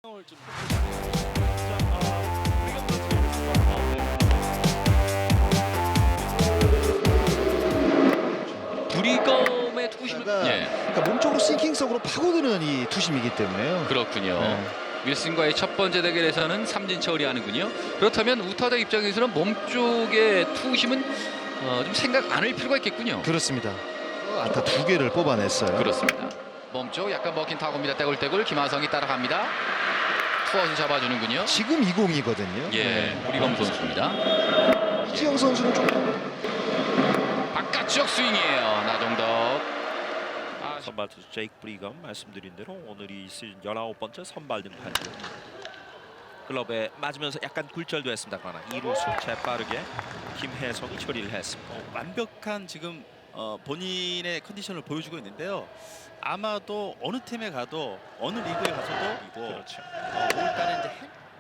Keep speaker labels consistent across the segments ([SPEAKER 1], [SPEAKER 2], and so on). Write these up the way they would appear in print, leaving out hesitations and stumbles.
[SPEAKER 1] 브리검의 투심을
[SPEAKER 2] 그러니까 몸쪽으로 싱킹성으로 파고드는 이 투심이기 때문에요.
[SPEAKER 1] 그렇군요. 윌슨과의 첫 번째 대결에서는 삼진 처리하는군요. 그렇다면 우타자 입장에서는 몸쪽의 투심은 좀 생각 안 할 필요가 있겠군요.
[SPEAKER 2] 그렇습니다. 안타 2개를 뽑아냈어요.
[SPEAKER 1] 그렇습니다. 몸쪽 약간 먹힌 타구입니다. 떼굴떼굴 김하성이 따라갑니다. 투아웃을 잡아주는군요.
[SPEAKER 2] 지금 2공이거든요.
[SPEAKER 1] 예, 브리검 선수입니다.
[SPEAKER 2] 이지영 선수는 좀
[SPEAKER 1] 바깥쪽 스윙이에요. 나종덕.
[SPEAKER 3] 선발 투수 제이크 브리검 말씀드린 대로 오늘이 시즌 19번째 선발 등판이고 글러브에 맞으면서 약간 굴절도 했습니다. 그러나 2루수 재빠르게 김혜성이 처리를 했습니다.
[SPEAKER 4] 완벽한 지금 본인의 컨디션을 보여주고 있는데요. 아마도 어느 팀에 가도 어느 리그에 가서도 이거
[SPEAKER 3] 그렇죠.
[SPEAKER 4] 5월달에 이제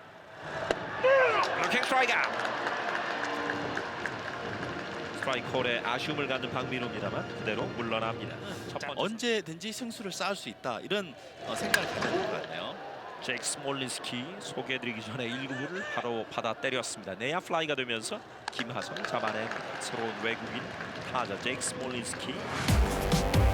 [SPEAKER 3] 블로킹 스트라이크 아웃. 스트라이크 홀에 아쉬움을 갖는 박민호입니다만 그대로 물러납니다. 첫 번째
[SPEAKER 4] 언제든지 승수를 쌓을 수 있다 이런 생각을 가져야 될 것 같네요.
[SPEAKER 3] 제이크 스몰린스키 소개해드리기 전에 1구를 바로 받아 때렸습니다. 내야 플라이가 되면서 김하성이 잡아냅니다. 새로운 외국인 타자 제이크 스몰린스키.